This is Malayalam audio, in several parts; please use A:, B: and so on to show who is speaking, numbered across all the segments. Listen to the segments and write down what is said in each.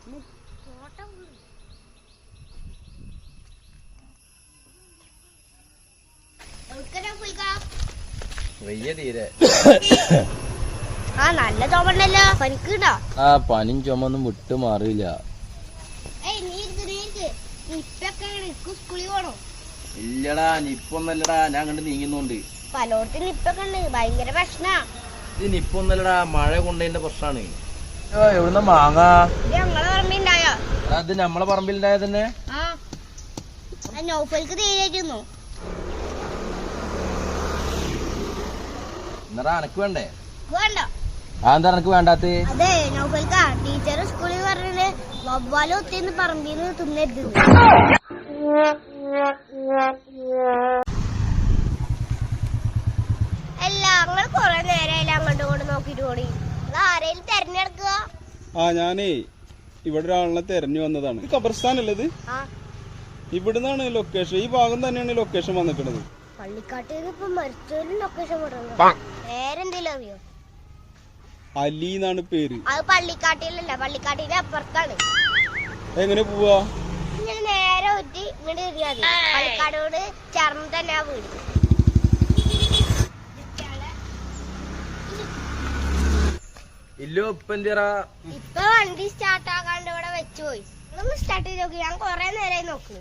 A: വയ്യ തീരെ.
B: നല്ല ചുമണ്ടല്ലോ. പനിക്കുണ്ടോ?
A: പനിയും ചുമൊന്നും വിട്ടു മാറിയില്ല. ഇല്ലടാ, നിപ്പൊന്നല്ലടാ, ഞാൻ കണ്ട് നീങ്ങുന്നോണ്ട്.
B: പലോടത്ത് നിപ്പൊക്കെ ഉണ്ട്, ഭയങ്കര പ്രശ്നാ.
A: ഇത് നിപ്പൊന്നല്ലടാ, മഴ കൊണ്ടതിന്റെ പ്രശ്നാണ്. എവിടുന്ന മാങ്ങ?
B: ഞങ്ങളെ പറമ്പിലുണ്ടായോ?
A: അത് നമ്മളെ പറമ്പിലുണ്ടായ തന്നെ.
B: നൗഫൽക്ക് തീരായിരുന്നു.
A: എന്നാ എനക്ക് വേണ്ടേ?
B: വേണ്ട.
A: അതെന്താ എനക്ക് വേണ്ടാത്ത?
B: അതെ, നൗഫൽക്ക ടീച്ചർ സ്കൂളിൽ പറഞ്ഞിട്ട് വവ്വാല് ഒത്തിന്ന് പറമ്പിന്ന് തിന്നരുത്. അല്ല, നിങ്ങൾ കൊറേ നേരമായില്ല അങ്ങോട്ടും ഇങ്ങോട്ട് നോക്കിട്ട് ഓടി. ആരെയും തെരഞ്ഞെടുക്കുക?
C: ഞാനേ ഇവിടെ ഒരാളിനെ തെരഞ്ഞു വന്നതാണ്. ഖബർസ്ഥാനല്ലത്? ഇവിടുന്നാണ് ലൊക്കേഷൻ. ഈ ഭാഗം തന്നെയാണ് ലൊക്കേഷൻ വന്നിട്ടുള്ളത്.
B: പള്ളിക്കാട്ടിൽ ഇപ്പൊ മരിച്ചൊരു ലൊക്കേഷൻ പേരെന്തേലും അറിയോ?
C: അലി എന്നാണ് പേര്.
B: അത് പള്ളിക്കാട്ടിലല്ല, പള്ളിക്കാട്ടിന്റെ അപ്പുറത്താണ്.
C: എങ്ങനെ പോവാ?
B: ഇങ്ങനെ നേരെ ഒറ്റി ഇങ്ങോട്ട് കയറിയാൽ മതി. പള്ളിക്കാടോട് ചേർന്ന് തന്നെ ആ വീട്.
A: ഇല്ലോ ഇപ്പൊ എന്തിറാ?
B: ഇപ്പൊ വണ്ടി സ്റ്റാർട്ട് ആക്കാണ്ട് ഇവിടെ വെച്ചു പോയി. നിങ്ങളൊന്ന് സ്റ്റാർട്ട് ചെയ്ത് നോക്കി. ഞാൻ കൊറേ നേരമായി നോക്കുന്നു.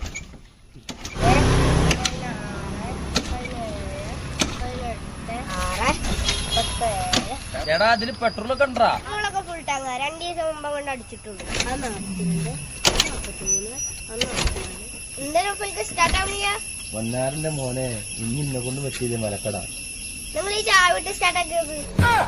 A: എടാ, അതില് പെട്രോളൊക്കെ ഉണ്ടാ?
B: നമ്മളൊക്കെ ഫുൾ ടാങ്ക് 2 ദിവസം മുമ്പ് കൊണ്ട് അടിച്ചിട്ടുണ്ട്. എന്തായാലും സ്റ്റാർട്ട് ആവുന്നില്ല.
A: പൊന്നാരന്റെ മോനെ, ഇനി ഇന്നെ കൊണ്ട് പറ്റിയില്ലേ മലക്കട.
B: നിങ്ങൾ ഈ ചായ വിട്ട് സ്റ്റാർട്ട് ആക്കിയത്.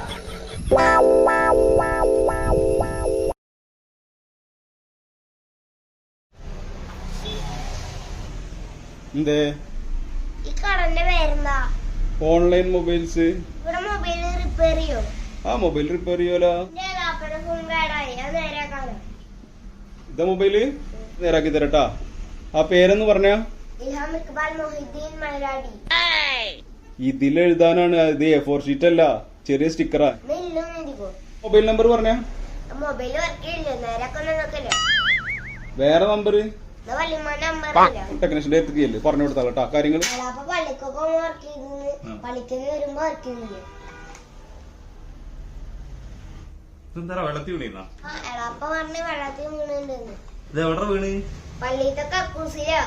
C: എന്തേ?
B: ഈ കടന്റെ പേരെന്താ?
C: Online mobiles.
B: ഇവിടെ മൊബൈൽ റിപ്പയർ ചെയ്യോ?
C: മൊബൈൽ റിപ്പയർ ചെയ്യോലോ.
B: ഫോൺ കേടായി, അത് നേരാക്കാലോ.
C: ഇതാ മൊബൈല് നേരാക്കി തരട്ടാ. ആ പേരെന്ന് പറഞ്ഞാ?
B: ഇൽഹാം ഇക്ബാൽ മൊഹിദ്ദീൻ മലയാടി.
C: ഇതിലെഴുതാനാണ്. ഇത് A4 ഷീറ്റ് അല്ല, ചെറിയ സ്റ്റിക്കറാ. മൊബൈൽ നമ്പർ പറഞ്ഞാ?
B: മൊബൈൽ വർക്ക് ചെയ്യില്ല, നേരാക്കൊന്നും നോക്കല്ലേ.
C: വേറെ നമ്പർ
B: ടെക്നീഷ്യന്റെ
C: അടുത്തേക്ക് പറഞ്ഞു കൊടുത്താലോ കാര്യങ്ങൾ.
B: പള്ളിക്കൊക്കെ വർക്ക് ചെയ്ത് പള്ളിക്ക് വരുമ്പോ വർക്ക് ചെയ്യുന്നില്ലേ?
C: വെള്ളത്തിൽ വീണ
B: എളാപ്പ പറഞ്ഞ് വെള്ളത്തിൽ വീണുണ്ടെന്ന്.
C: ഇത് എവിടെ വീണ്?
B: പള്ളിത്തെ കക്കൂസിലോ.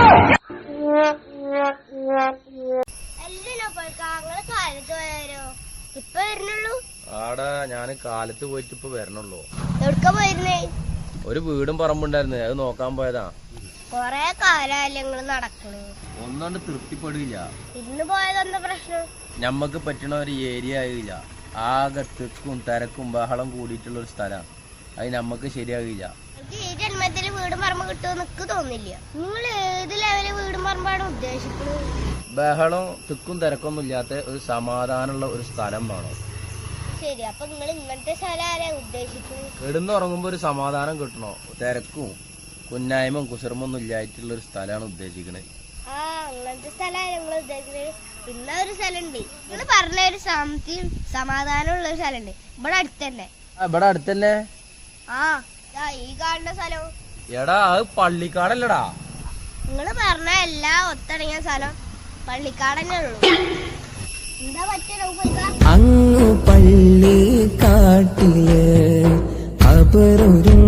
B: എല്ലാം കാലത്ത് പോയാരോ? ഇപ്പൊ വരുന്നുള്ളൂ.
A: ആടാ, ഞാന് കാലത്ത് പോയിട്ട് ഇപ്പൊ വരണുള്ളൂ.
B: എവിടക്ക പോയിരുന്നേ?
A: ഒരു വീടും പറമ്പുണ്ടായിരുന്നു, അത് നോക്കാൻ പോയതാ.
B: കൊറേ കാലല്ലേ നിങ്ങള് നടക്കണു.
A: ഒന്നുകൊണ്ട് തൃപ്തിപ്പെടില്ല.
B: ഇന്ന് പോയതെന്താ പ്രശ്നം?
A: ഞമ്മക്ക് പറ്റണ ഒരു ഏരിയ ആയില്ല. ആകെ തിക്കും തിരക്കും ബഹളം കൂടിയിട്ടുള്ള ഒരു സ്ഥലമാണ്. അത് നമ്മക്ക് ശരിയാകില്ല.
B: ഈ ജന്മത്തില് വീടും പറമ്പ് കിട്ടുമെന്ന് എനിക്ക് തോന്നില്ല. നിങ്ങൾ ഏത് ലെവലിൽ വീടും പറമ്പാണ് ഉദ്ദേശിക്കുന്നത്?
A: ബഹളം തിക്കും തിരക്കൊന്നും ഇല്ലാത്ത ഒരു സമാധാനമുള്ള ഒരു സ്ഥലം വേണം.
B: ശരി, അപ്പൊ നിങ്ങൾ ഇങ്ങനത്തെ സ്ഥലം ആരാ ഉദ്ദേശിക്കുന്നത്?
A: കിടന്നുറങ്ങുമ്പോ ഒരു സമാധാനം കിട്ടണോ? തിരക്കും കുന്നായ്മയും കുസർമൊന്നും ഇല്ലായിട്ടുള്ള ഒരു സ്ഥലമാണ് ഉദ്ദേശിക്കണത്.
B: അങ്ങനത്തെ സ്ഥലമാണ് നിങ്ങൾ ഉദ്ദേശിക്കുന്നത്. പിന്നെ ഒരു സ്ഥലമുണ്ട്, നിങ്ങൾ പറഞ്ഞ ഒരു ശാന്തിയും സമാധാനമുള്ള ഒരു സ്ഥലമുണ്ട് ഇവിടെ അടുത്തന്നെ.
A: ഇവിടെ അടുത്തന്നെ?
B: ഈ കാണുന്ന സ്ഥലവും.
A: എടാ, അത് പള്ളിക്കാടല്ലടാ.
B: നിങ്ങൾ പറഞ്ഞ എല്ലാം ഒത്തടങ്ങിയ സ്ഥലം പള്ളിക്കാടന്നെ ഉള്ളു. എന്താ പറ്റിയ
D: അങ്ങ് പള്ളിക്കാട്ടില്